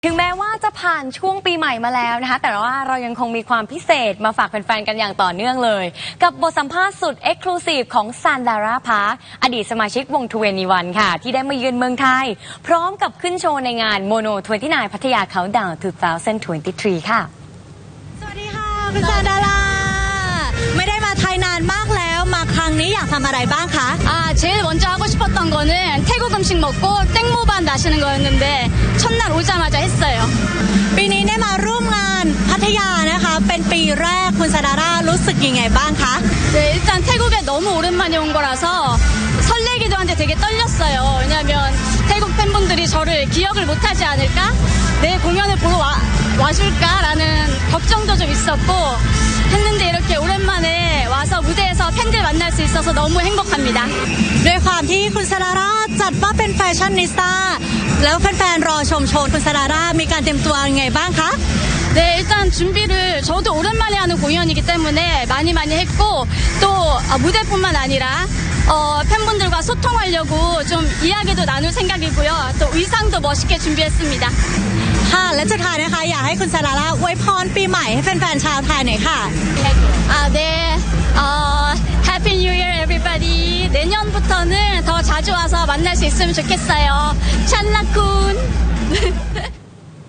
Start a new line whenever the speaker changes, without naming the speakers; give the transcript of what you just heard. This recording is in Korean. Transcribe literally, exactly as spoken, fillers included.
ถึงแม้ว่าจะผ่านช่วงปีใหม่มาแล้วนะคะแต่ว่าเรายังคงมีความพิเศษมาฝากแฟนๆกันอย่างต่อเนื่องเลยกับบทสัมภาษณ์สุดเอ็กซ์คลูซีฟของซันดาราพาร์คอดีตสมาชิกวงทเวนตี้วันค่ะที่ได้มาเยือนเมืองไทยพร้อมกับขึ้นโชว์ในงานโมโนทเวนตี้ไนน์พัทยาเขาดาวน์สองพันยี่สิบสามค่ะ
สวัสดีค่ะคุณซันดาราไม่ได้มาไทยนานมากแล้วมาครั้งนี้อยากทำอะไรบ้างคะ
아 제일 먼저 하고 싶었던 거는 태국 음식 먹고 땡모반 마시는 거였는데 첫날 오자마자 했어요.
ปีนี้ได้มาร่วมงานพัทยานะคะเป็นปีแรกคุณซันดารารู้สึกยังไงบ้างคะ
네, 일단 태국에 너무 오랜만에 온 거라서 설레기도 한데 되게 떨렸어요. 왜냐하면 태국 팬분들이 저를 기억을 못하지 않을까? 내 공연을 보러 와, 와줄까라는 걱정도 좀 있었고 했는데 이렇게 오랜만에 와서 무대에서 팬들 만날 수 있어서 너무 행복합니다.
ด้วยความที่คุณซันดาราจัดว่าเป็นแฟชั่นนิสต้าแล้วแฟนๆรอชมโชว์คุณซันดารามีการเตรียมตัวยังไงบ้างคะ
네, 일단 준비를 저도 오랜만에 하는 공연이기 때문에 많이 많이 했고 또 무대뿐만 아니라 어, 팬분들과 소통하려고 좀 이야기도 나눌 생각이고요. 또 의상도 멋있게 준비했습니다.
ค่ะและสุดท้ายนะคะอยากให้คุณซันดาราอวยพรปีใหม่ให้แฟนๆชาวไทยหน่อยค่ะ
아, 네. 어, Happy New Year, everybody. 내년부터는 더 자주 와서 만날 수 있으면 좋겠어요. 찰나쿤.